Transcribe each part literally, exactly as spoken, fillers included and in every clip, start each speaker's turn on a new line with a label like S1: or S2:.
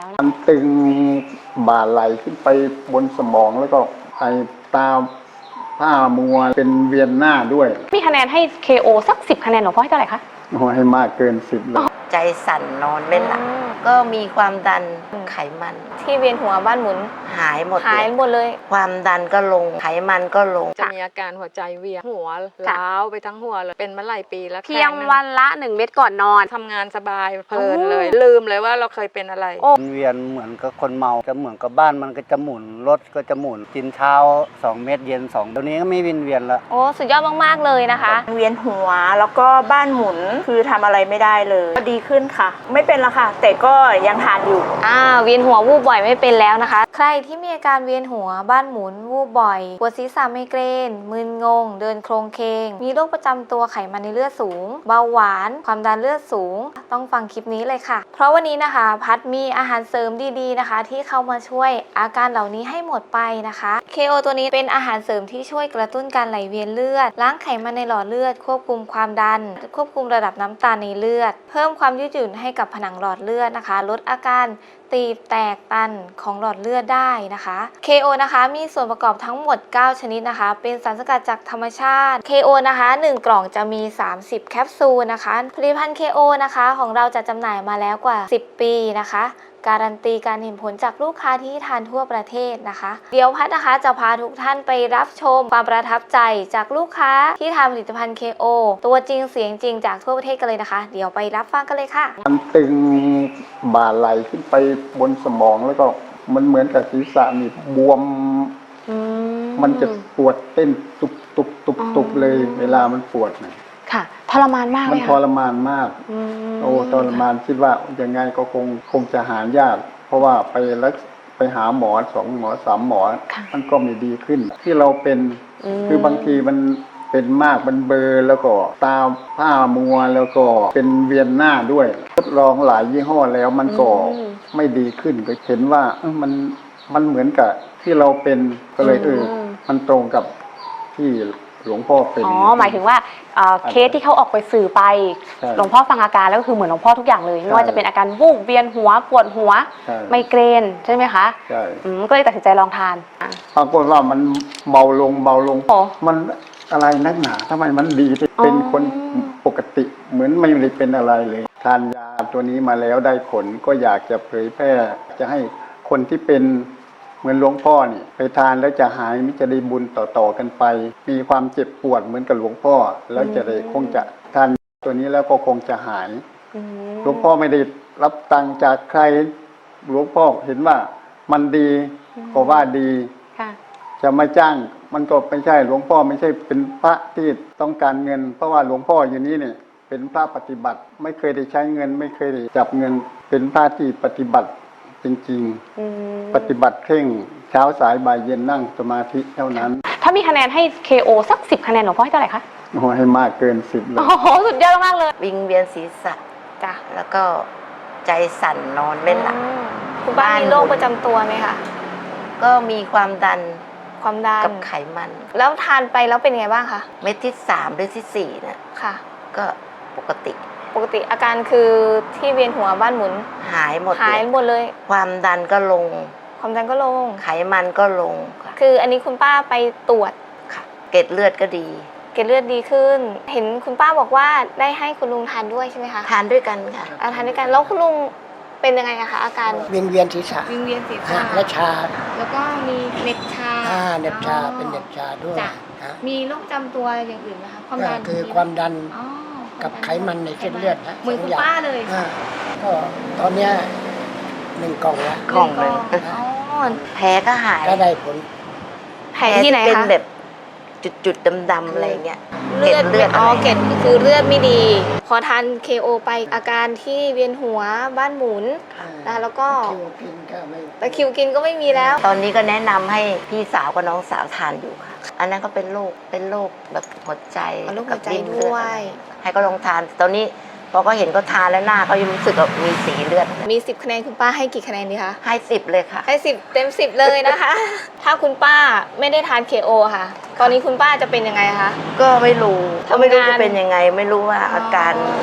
S1: นะมันตึงบ่าไหลขึ้นไปบนสมองแล้วก็ไอตาผ้ามัวเป็นเวียนหน้าด้วย
S2: มีคะแนนให้ เค โอ สักสิบคะแนนหลวงพ่อให้เท่าไหร่คะ
S1: โอ้ให้มากเกินสิบเลย
S3: ใจสั่นนอนไม่หลับก็มีความดันไขมัน
S2: ที่เวียนหัวบ้านหมุน
S3: หายหมด
S2: หายหมดเลย
S3: ความดันก็ลงไขมันก็ลง
S4: จะมีอาการหัวใจเวียนหัวล้าวไปทั้งหัวเลยเป็นมาหลายปีแล้ว
S2: เพียงวันละหนึ่งเม็ดก่อนนอน
S4: ทำงานสบายเพลินเลยลืมเลยว่าเราเคยเป็นอะไร
S5: เวียนเหมือนกับคนเมาจะเหมือนกับบ้านมันก็จะหมุนรถก็จะหมุนกินเช้าสองเม็ดเย็นสองตัวนี้ก็ไม่วินเวียนละ
S2: โอ้สุดยอดมากๆเลยนะคะ
S6: เวียนหัวแล้วก็บ้านหมุนคือทำอะไรไม่ได้เลยก็ดีขึ้นค่ะไม่เป็นละค่ะแต่ก็ยังทานอยู่
S2: อ่าเวียนหัววูบบ่อยไม่เป็นแล้วนะคะใครที่มีอาการเวียนหัวบ้านหมุนวูบบ่อยปวดศีรษะไมเกรนมึนงงเดินโครงเคงมีโรคประจำตัวไขมันในเลือดสูงเบาหวานความดันเลือดสูงต้องฟังคลิปนี้เลยค่ะเพราะวันนี้นะคะพัดมีอาหารเสริมดีๆนะคะที่เข้ามาช่วยอาการเหล่านี้ให้หมดไปนะคะ เค โอ ตัวนี้เป็นอาหารเสริมที่ช่วยกระตุ้นการไหลเวียนเลือดล้างไขมันในหลอดเลือดควบคุมความดันควบคุมระดับน้ำตาลในเลือดเพิ่มความยืดหยุ่นให้กับผนังหลอดเลือดนะคะลดอาการตีบแตกตันของหลอดเลือดได้นะคะ เค โอ นะคะมีส่วนประกอบทั้งหมดเก้าชนิดนะคะเป็นสารสกัดจากธรรมชาติ เค โอ นะคะหนึ่งกล่องจะมีสามสิบแคปซูลนะคะผลิตภัณฑ์ เค โอ นะคะของเราจะจำหน่ายมาแล้วกว่าสิบปีนะคะการันตีการเห็นผลจากลูกค้าที่ทานทั่วประเทศนะคะเดี๋ยวพัดนะคะจะพาทุกท่านไปรับชมความประทับใจจากลูกค้าที่ทานผลิตภัณฑ์ เค โอ ตัวจริงเสียงจริงจากทั่วประเทศกันเลยนะคะเดี๋ยวไปรับฟังกันเลยค่ะ
S1: มันตึงบ่าไหลขึ้นไปบนสมองแล้วก็มันเหมือนกับศีรษะนี่บวมมันจะปวดเต้นตุบตุบตุบตุบเลยเวลามันปวดนะ
S2: ค่ะทรมานมากเลย
S1: มันทรมานมากโอ้ทรมานคิดว่ายังไงก็คงคงจะหายากเพราะว่าไปรักไปหาหมอสองหมอสามหมอมันก็ไม่ดีขึ้นที่เราเป็นคือบางทีมันเป็นมากมันเบลอแล้วก็ตาผ้ามัวแล้วก็เป็นเวียนหน้าด้วยทดลองหลายยี่ห้อแล้วมันก็ไม่ดีขึ้นก็เห็นว่ามันมันเหมือนกับที่เราเป็นก็เลยเออมันตรงกับที่หลวงพ่อเป็น
S2: อ๋อหมายถึงว่าเคสที่เขาออกไปสื่อไปหลวงพ่อฟังอาการแล้วก็คือเหมือนหลวงพ่อทุกอย่างเลยไม่ว่าจะเป็นอาการวูบเวียนหัวปวดหัวไมเกรนใช่ไหมคะ
S1: ใช่
S2: ก็เลยตัดสินใจลองทาน
S1: ปรากฏว่ามันเบาลงเบาลงมันอะไรนักหนาทำไมมันดีเป็นคนปกติเหมือนไม่ได้เป็นอะไรเลยทานยาตัวนี้มาแล้วได้ผลก็อยากจะเผยแพร่จะให้คนที่เป็นเหมือนหลวงพ่อนี่ไปทานแล้วจะหายมิจะได้บุญต่อๆกันไปมีความเจ็บปวดเหมือนกับหลวงพ่อแล้วจะได้คงจะทานตัวนี้แล้วก็คงจะหายหลวงพ่อไม่ได้รับตังค์จากใครหลวงพ่อเห็นว่ามันดีก็ว่าดีจะมาจ้างมันก็ไม่ใช่หลวงพ่อไม่ใช่เป็นพระที่ต้องการเงินเพราะว่าหลวงพ่ออยู่นี้เนี่ยเป็นพระปฏิบัติไม่เคยได้ใช้เงินไม่เคยได้จับเงินเป็นพระที่ปฏิบัติจริงๆปฏิบัติเคร่งเช้าสายบ่ายเย็นนั่งสมาธิเท่านั้น
S2: ถ้ามีคะแนนให้ เค โอ สักสิบคะแนนหลวงพ่อให้เท่าไหร่คะ
S1: โอ้ให้มากเกินสิบเลย
S2: โอ้โหสุดยอดมากเลย
S3: วิงเวียนศีรษะ
S2: จ้ะ
S3: แล้วก็ใจสั่นนอนไม่หลับ
S2: คุณป้ามีโรคประจำตัวไหมคะ
S3: ก็มีความดัน
S2: ความดัน
S3: กับไขมัน
S2: แล้วทานไปแล้วเป็นไงบ้างคะ
S3: เม็ดที่สามหรือที่สี่นะ
S2: ค่ะ
S3: ก็ปกติ
S2: ปกติอาการคือที่เวียนหัวบ้านหมุน
S3: หายหมด
S2: หายหมดเลย
S3: ความดันก็ลง
S2: ความดันก็ลง
S3: ไขมันก็ลง
S2: คืออันนี้คุณป้าไปตรวจ
S3: ค่ะเกล็ดเลือดก็ดี
S2: เกล็ดเลือดดีขึ้นเห็นคุณป้าบอกว่าได้ให้คุณลุงทานด้วยใช่ไหมคะ
S3: ทานด้วยกันค่ะ
S2: ทานด้วยกันแล้วคุณลุงเป็นยังไงอะคะอาการ
S7: วิงเวียนศีรษะ
S2: วิงเวียนศีรษะ
S7: และชา
S2: แล้วก็มีเหน็บชา
S7: อ่าเหน็บชาเป็นเหน็บชาด้วย
S2: มีโรคจำตัวอย่างอื่นไหมคะความดัน
S7: คือความดันกับไขมันในเส้นเลือดนะ
S2: เหมือนคุณป้าเลย
S7: ก็ตอนนี้หนึ่งกล่องละ
S3: กล่องเลยแผลก็หาย
S7: ก็ได้ผล
S2: แผลที่ไหนคะ
S3: เป็นแบบจุดๆดำๆอะไรเงี้ย
S2: เลือดเลือดอ๋อเกล็ดคือเลือดไม่ดีพอทาน เค โอ ไปอาการที่เวียนหัวบ้านหมุนนะแล้วก็ตะคริวกินก็ไม่มีแล้ว
S3: ตอนนี้ก็แนะนำให้พี่สาวกับน้องสาวทานอยู่ค่ะอันนั้นก็เป็นโรคเป็นโรคแบบหัวใจ
S2: กับริ่มเลือด
S3: ให้ก็ลองทานตอนนี้พอก็เห็นก็ทานแล้วหน้าเขายังรู้สึกว่ามีสีเลือด
S2: มีสิบคะแนนคุณป้าให้กี่คะแนนดีคะ
S3: ให้สิบเลยค่ะ
S2: ให้สิบเต็มสิบเลยนะคะถ้าคุณป้าไม่ได้ทาน เค โอ ค่ะตอนนี้คุณป้าจะเป็นยังไงคะ
S3: ก็ไม่รู้ก็ไม่รู้จะเป็นยังไงไม่รู้ว่าอาการ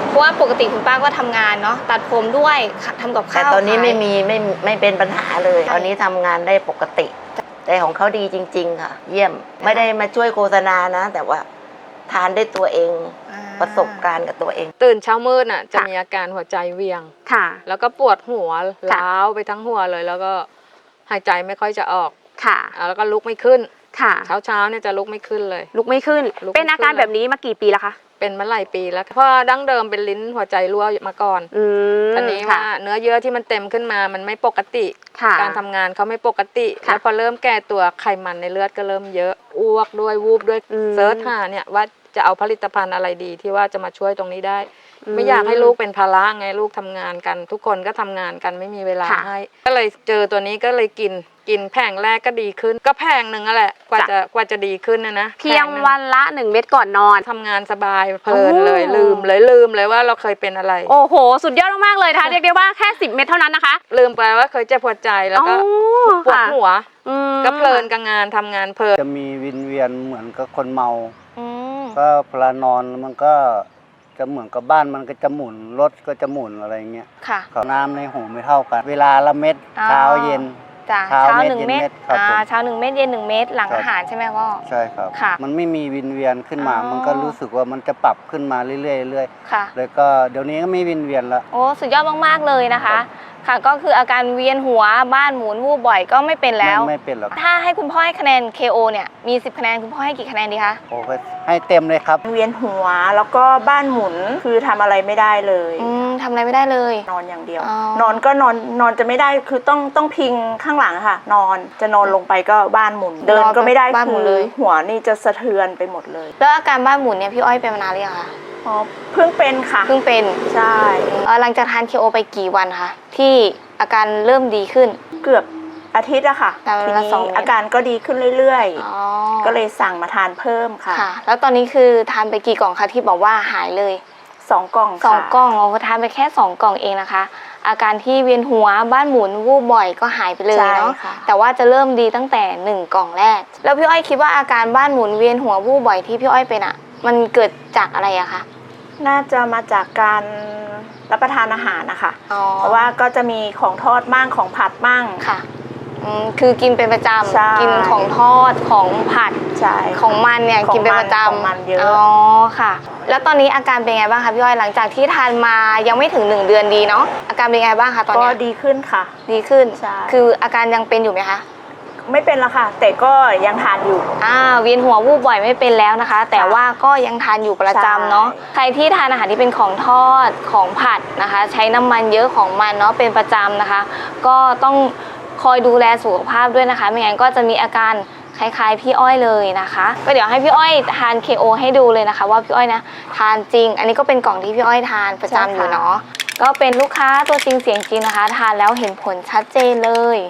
S2: เพราะว่าปกติคุณป้าก็ทำงานเนาะตัดผมด้วยทำกับ
S3: แต่
S2: ข้าว
S3: ตอนนี้
S2: ขาย
S3: ไม่มีไม่ไม่เป็นปัญหาเลย
S2: ใช่
S3: ตอนนี้ทำงานได้ปกติ แต่ของเขาดีจริง ๆ ค่ะ เยี่ยมไม่ได้มาช่วยโฆษณานะ แต่ว่าทานได้ตัวเอง
S2: อ่า
S3: ประสบการณ์กับตัวเอง
S4: ตื่นเช้ามืดน่ะจะ
S2: ค่ะ
S4: มีอาการหัวใจเวียง
S2: ค่ะ
S4: แล้วก็ปวดหัว
S2: ค่ะ
S4: ล้าวไปทั้งหัวเลย แล้วก็หายใจไม่ค่อยจะออก
S2: ค่ะ
S4: อ่าแล้วก็ลุกไม่ขึ้น
S2: ค่ะ
S4: เช้าเช้าๆเนี่ยจะลุกไม่ขึ้นเลย
S2: ลุกไม่ขึ้น
S4: ลุกไม่
S2: เป็นอาการ
S4: ขึ้นเลย
S2: แบบนี้มากี่ปีแล้วคะ
S4: เป็นมาหลายปีแล้วเพราะดั้งเดิมเป็นลิ้นหัวใจรั่วมาก่อน
S2: อืม
S4: ตอนนี้ว่าเนื้อเยื่อที่มันเต็มขึ้นมามันไม่ปกติ
S2: ค่ะ
S4: การทำงานเขาไม่ปกติ
S2: ค่ะ
S4: แล้วพอเริ่มแก่ตัวไขมันในเลือดก็เริ่มเยอะอ้วกด้วยวูบด้วย
S2: อืม
S4: เซิร์ชหาเนี่ยว่าจะเอาผลิตภัณฑ์อะไรดีที่ว่าจะมาช่วยตรงนี้ได้
S2: อืม
S4: ไม่อยากให้ลูกเป็นภาระไงลูกทำงานกัน ทุกคนก็ทำงานกันไม่มีเวลา
S2: ค่ะ
S4: ให้ ก็เลยเจอตัวนี้ก็เลยกินกินแผงแรกก็ดีขึ้น ก็แผงหนึ่งนั่นแหละกว่าจะกว่าจะดีขึ้นนะนะ
S2: เพียง
S4: แผหนึ่
S2: วันละหนึ่งเม็ดก่อนนอน
S4: ทำงานสบายเพลินเลย
S2: โอ้
S4: ลืมเลยลืมเลยว่าเราเคยเป็นอะไร
S2: โอ้โห สุดยอดมากๆเลยนะคะ เรียกได้ว่าแค่สิบเม็ดเท่านั้นนะคะ
S4: ลืมไปว่าเคยเจ็บหัวใจแล้วก็
S2: อ๋อ
S4: ปวด
S2: ค่ะ
S4: หัว
S2: อืม
S4: ก็เพลินกับงานทำงานเพลิน
S5: จะมีวินเวียนเหมือนกับคนเมา
S2: อืม
S5: ก็เวลานอนมันก็จะเหมือนกับบ้านมันก็จะหมุนรถก็จะหมุนอะไรเงี้ย
S2: ค่ะ
S5: กับน้ำในหูไม่เท่ากัน เวลาละเม็ด
S2: อ๋อ
S5: เช้าเย็น
S2: จ้ะ
S5: เช้า
S2: เช้า
S5: เม็ด
S2: หนึ่ง
S5: เย็น
S2: เม็ด
S5: เม็ดครับ
S2: อ่า
S5: ผม
S2: เช้าหนึ่งเม็ดเย็นหนึ่งเม็ดหลัง
S5: ครับ
S2: อาหารใช่ไหมพ่อ
S5: ใช่ครับ
S2: ค่ะ
S5: มันไม่มีวินเวียนขึ้นมา
S2: อ๋อ
S5: มันก็รู้สึกว่ามันจะปรับขึ้นมาเรื่อยๆเรื่อย
S2: ค่ะ
S5: ๆแล้วก็เดี๋ยวนี้ก็ไม่วินเวียนละ
S2: โอ้สุดยอดมากๆเลยนะคะ ค่ะก็คืออาการเวียนหัวบ้านหมุนวูบบ่อยก็ไม่เป็นแล้ว
S5: ไม่ไม่เป็นหรอก
S2: ถ้าให้คุณพ่อให้คะแนน เค โอ เนี่ยมีสิบคะแนนคุณพ่อให้กี่คะแนนดีคะ
S5: โอ้ก็ให้เต็มเลยครับ
S6: เวียนหัวแล้วก็บ้านหมุนคือทำอะไรไม่ได้เลย
S2: อืมทำอะไรไม่ได้เลย
S6: นอนอย่างเดียว
S2: อ๋อ
S6: นอนก็นอนนอนจะไม่ได้คือต้องต้องพิงข้างหลังอะค่ะ นอนจะนอนลงไปก็บ้านหมุน เดินก็ไม่ได้
S2: บ้านหมุน
S6: คื
S2: เล
S6: อย หัวนี่จะสะเทือนไปหมดเลย
S2: แล้วอาการบ้านหมุนเนี่ยพี่อ้อยเป็นมานานหรือยังคะ
S6: อ๋อเพิ่งเป็นค่ะ
S2: เพิ่งเป็น
S6: ใช่
S2: เอ่อหลังจากทาน เค โอ ไปกี่วันคะที่อาการเริ่มดีขึ้น
S6: เกือบอาทิตย์อะค่ะ
S2: แต่
S6: ที
S2: ละ
S6: นี้
S2: สองเม็ด
S6: อาการก็ดีขึ้นเรื่อย
S2: อ๋อ
S6: ๆ ก็เลยสั่งมาทานเพิ่มค่ะ
S2: ค่ะ แล้วตอนนี้คือทานไปกี่กล่องคะที่บอกว่าหายเลย
S6: สองกล่อง
S2: สอง
S6: ค่ะ
S2: กล่องเราทานไปแค่สองกล่องเองนะคะ อาการที่เวียนหัวบ้านหมุนวูบบ่อยก็หายไปเลย
S6: ใช่
S2: เนาะ
S6: ค่ะ
S2: แต่ว่าจะเริ่มดีตั้งแต่หนึ่งกล่องแรก แล้วพี่อ้อยคิดว่าอาการบ้านหมุนเวียนหัววูบบ่อยที่พี่อ้อยเป็นอะมันเกิดจากอะไรอะคะ
S6: น่าจะมาจากการรับประทานอาหารนะคะ
S2: อ๋อ
S6: เพราะว่าก็จะมีของทอดมั่งของผัดมั่ง
S2: ค่ะอืมคือกินเป็นประจ
S6: ใช่
S2: ำกินของทอดของผัด
S6: ใช่
S2: ของมันเนี่ย
S6: ของมัน
S2: กินเป็นประจำ
S6: ของมันเยอะ
S2: อ๋อค่ะ แล้วตอนนี้อาการเป็นไงบ้างคะพี่อ้อยหลังจากที่ทานมายังไม่ถึงหนึ่งเดือนดีเนาะอาการเป็นไงบ้างคะตอน
S6: ก็
S2: เนี้ย
S6: ดีขึ้นค่ะ
S2: ดีขึ้น
S6: ใช่
S2: คืออาการยังเป็นอยู่ไหมคะ
S6: ไม่เป็นละค่ะ แต่ก็ยังทานอยู่
S2: อ่าเวียนหัววูบบ่อยไม่เป็นแล้วนะคะ แต่ว่าก็ยังทานอยู่ประจำเนาะ
S6: ใช่
S2: ใครที่ทานอาหารที่เป็นของทอดของผัดนะคะ ใช้น้ำมันเยอะของมันเนาะเป็นประจำนะคะ ก็ต้องคอยดูแลสุขภาพด้วยนะคะ ไม่งั้นก็จะมีอาการคล้ายๆพี่อ้อยเลยนะคะ ก็เดี๋ยวให้พี่อ้อยทาน เค โอ ให้ดูเลยนะคะ ว่าพี่อ้อยนะทานจริง อันนี้ก็เป็นกล่องที่พี่อ้อยทานประจำอยู่เนาะก็เป็นลูกค้าตัวจริงเสียงจริงนะคะ ทานแล้วเห็นผลชัดเจนเลย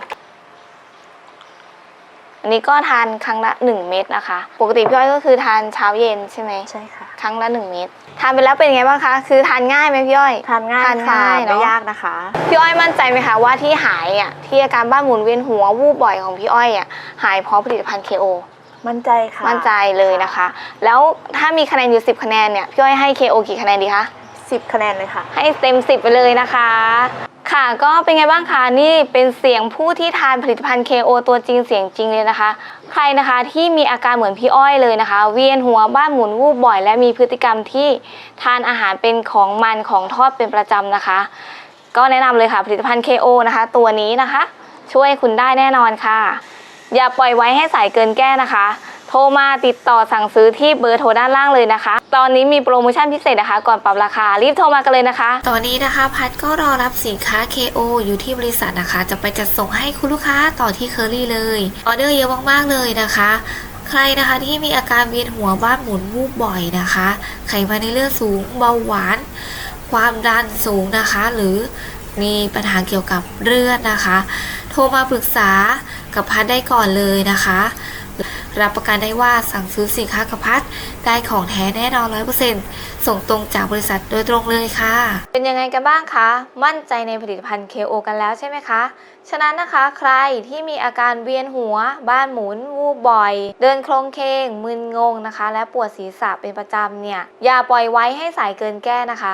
S2: อันนี้ก็ทานครั้งละหนึ่งเม็ดนะคะปกติพี่อ้อยก็คือทานเช้าเย็นใช่ไหม
S6: ใช่ค่ะ
S2: ครั้งละหนึ่งเม็ดทานไปแล้วเป็นไงบ้างคะคือทานง่ายไหมพี่อ้อย
S6: ทานง่าย
S2: ทาน
S6: ค่ะ
S2: ง่ายเนอะ
S6: ไม่ยากนะคะ
S2: พี่อ้อยมั่นใจไหมคะว่าที่หายอ่ะที่อาการบ้านหมุนเวียนหัววูบบ่อยของพี่อ้อยอ่ะหายเพราะผลิตภัณฑ์ เค โอ
S6: มั่นใจค่ะ
S2: มั่นใจเลยนะคะ แล้วถ้ามีคะแนนอยู่สิบคะแนนเนี่ยพี่อ้อยให้ เค โอ กี่คะแนนดีคะ
S6: สิบคะแนนเลยค่ะ
S2: ให้เต็มสิบไปเลยนะคะ ค่ะก็เป็นไงบ้างคะนี่เป็นเสียงผู้ที่ทานผลิตภัณฑ์ เค โอ ตัวจริงเสียงจริงเลยนะคะ ใครนะคะที่มีอาการเหมือนพี่อ้อยเลยนะคะ เวียนหัวบ้านหมุนวูบบ่อย และมีพฤติกรรมที่ทานอาหารเป็นของมันของทอดเป็นประจำนะคะ ก็แนะนำเลยค่ะผลิตภัณฑ์ เค โอ นะคะ ตัวนี้นะคะ ช่วยคุณได้แน่นอนค่ะ อย่าปล่อยไว้ให้สายเกินแก้นะคะ โทรมาติดต่อสั่งซื้อที่เบอร์โทรด้านล่างเลยนะคะ ตอนนี้มีโปรโมชั่นพิเศษนะคะ ก่อนปรับราคารีบโทรมากันเลยนะคะ
S8: ตอนนี้นะคะพัดก็รอรับสินค้า เค โอ อยู่ที่บริษัทนะคะ จะไปจัดส่งให้คุณลูกค้าต่อที่เคอรี่เลยออเดอร์เยอะมากๆเลยนะคะ ใครนะคะที่มีอาการเวียนหัวบ้านหมุนวูบบ่อยนะคะ ไขมันในเลือดสูงเบาหวาน ความดันสูงนะคะ หรือมีปัญหาเกี่ยวกับเลือดนะคะ โทรมาปรึกษากับพัดได้ก่อนเลยนะคะ รับประกันได้ว่าสั่งซื้อสินค้ากับพัดได้ของแท้แน่นอน ร้อยเปอร์เซ็นต์ ส่งตรงจากบริษัทโดยตรงเลยค่ะ
S2: เป็นยังไงกันบ้างคะ มั่นใจในผลิตภัณฑ์ เค โอ กันแล้วใช่ไหมคะ ฉะนั้นนะคะใครที่มีอาการเวียนหัว บ้านหมุน วูบบ่อย เดินโครงเคง มึนงงนะคะ และปวดศีรษะเป็นประจำเนี่ย อย่าปล่อยไว้ให้สายเกินแก้นะคะ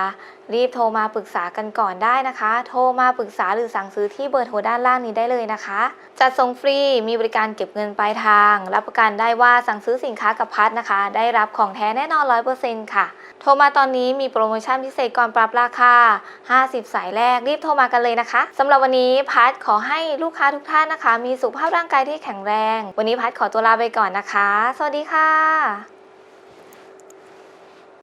S2: รีบโทรมาปรึกษากันก่อนได้นะคะ โทรมาปรึกษาหรือสั่งซื้อที่เบอร์โทรด้านล่างนี้ได้เลยนะคะจัดส่งฟรีมีบริการเก็บเงินปลายทางรับประกันได้ว่าสั่งซื้อสินค้ากับพัดนะคะได้รับของแท้แน่นอน ร้อยเปอร์เซ็นต์ ค่ะโทรมาตอนนี้มีโปรโมชั่นพิเศษก่อนปรับราคาห้าสิบสายแรกรีบโทรมากันเลยนะคะสำหรับวันนี้พัดขอให้ลูกค้าทุกท่านนะคะมีสุขภาพร่างกายที่แข็งแรงวันนี้พัดขอตัวลาไปก่อนนะคะสวัสดีค่ะ